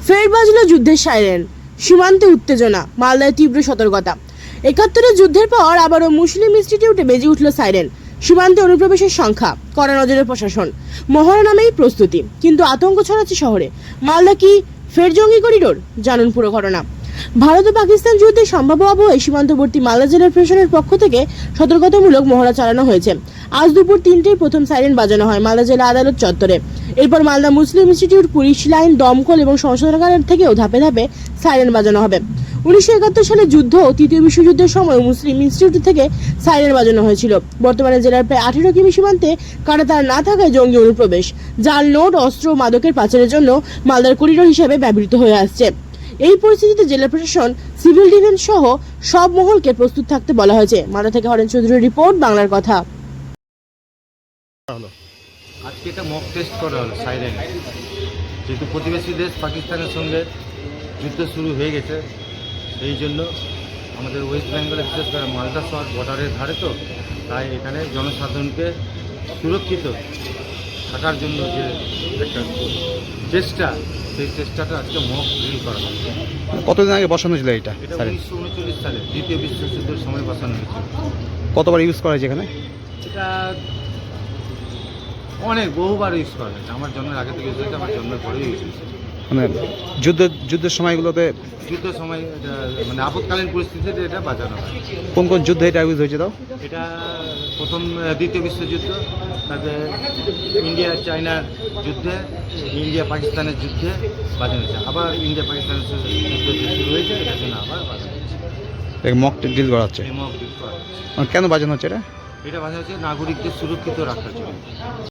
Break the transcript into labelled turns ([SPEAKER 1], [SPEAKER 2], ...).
[SPEAKER 1] ফের বাজল যুদ্ধের সাইরেন, সীমান্তে উত্তেজনা, মালদায় তীব্র সতর্কতা। ৭১-এর যুদ্ধের পর আবারও মুসলিম ইনস্টিটিউটে বেজে উঠল সাইরেন। সীমান্তে অনুপ্রবেশের সংখ্যা, কড়া নজরে প্রশাসন, মহড়া নামেই প্রস্তুতি। কিন্তু আতঙ্ক ছড়াচ্ছে শহরে। মালদা কি ফের জঙ্গি করিডোর? জানুন পুরো ঘটনা। ভারত ও পাকিস্তান যুদ্ধের সম্ভাব্য আবহে সীমান্তবর্তী মালদা জেলার প্রশাসনের পক্ষ থেকে সতর্কতামূলক মহড়া চালানো হয়েছে। আজ দুপুর ৩টেয় প্রথম সাইরেন বাজানো হয় মালদা জেলা আদালত চত্বরে। এরপর Malda Muslim Institute, police line, দমকল এবং সংশোধনাগার থেকেও ধাপে ধাপে সাইরেন বাজানো হবে। ১৯৭১ সালে যুদ্ধ ও তৃতীয় বিশ্বযুদ্ধের সময় মুসলিম ইনস্টিটিউট থেকে সাইরেন বাজানো হয়েছিল। বর্তমানে জেলার প্রায় ১৮ কিমি সীমান্তে কাঁটাতার না থাকায় জঙ্গি অনুপ্রবেশ, জাল নোট, অস্ত্র, মাদকের পাচারের জন্য মালদার করিডোর হিসেবে ব্যবহৃত হয়ে আসছে। এই পরিস্থিতিতে জেলা প্রশাসন, সিভিল ডিফেন্স সহ সব মহলকে প্রস্তুত থাকতে বলা হয়েছে। মালদা থেকে হরেন চৌধুরীর রিপোর্ট, বাংলার কথা।
[SPEAKER 2] আজকে এটা মক টেস্ট করা হলো সাইরেন। যেহেতু প্রতিবেশী দেশ পাকিস্তানের সঙ্গে যুদ্ধ শুরু হয়ে গেছে, সেই জন্য আমাদের ওয়েস্ট বেঙ্গলে, বিশেষ করে মালদা শহর বর্ডারের ধারে, তো তাই এখানে জনসাধারণকে সুরক্ষিত থাকার জন্য যে একটা চেষ্টা, সেই চেষ্টাটা আজকে মক ড্রিল করা হচ্ছে।
[SPEAKER 3] কতদিন আগে বসানো ছিল এটা?
[SPEAKER 2] এটা ১৯৩৯ সালে দ্বিতীয় বিশ্বযুদ্ধের সময় বসানো হয়েছিল।
[SPEAKER 3] কতবার ইউজ করা হয়েছে এখানে?
[SPEAKER 2] এটা অনেক বহুবার ইউজ করা হয়েছে। আমার জন্মের আগে থেকে ইউজ হয়েছে, আমার জন্মের পরেও ইউজ হয়েছে।
[SPEAKER 3] মানে যুদ্ধের সময়গুলোতে,
[SPEAKER 2] যুদ্ধের সময় এটা মানে আপৎকালীন পরিস্থিতিতে এটা বাজানো হয়।
[SPEAKER 3] কোন কোন যুদ্ধে এটা ইউজ হয়েছে? তাও
[SPEAKER 2] এটা প্রথম দ্বিতীয় বিশ্বযুদ্ধ, তারপরে ইন্ডিয়া চায়নার যুদ্ধে, ইন্ডিয়া পাকিস্তানের যুদ্ধে বাজানো হয়েছে। আবার ইন্ডিয়া পাকিস্তানের যুদ্ধ যে শুরু হয়েছে, এটার জন্য আবার বাজানো হয়েছে।
[SPEAKER 3] মক ড্রিল করা হচ্ছে।
[SPEAKER 2] এই মক ড্রিল করা হচ্ছে।
[SPEAKER 3] কেন বাজানো হচ্ছে এটা?
[SPEAKER 2] এটা বাজানো হচ্ছে নাগরিকদের সুরক্ষিত রাখার জন্য।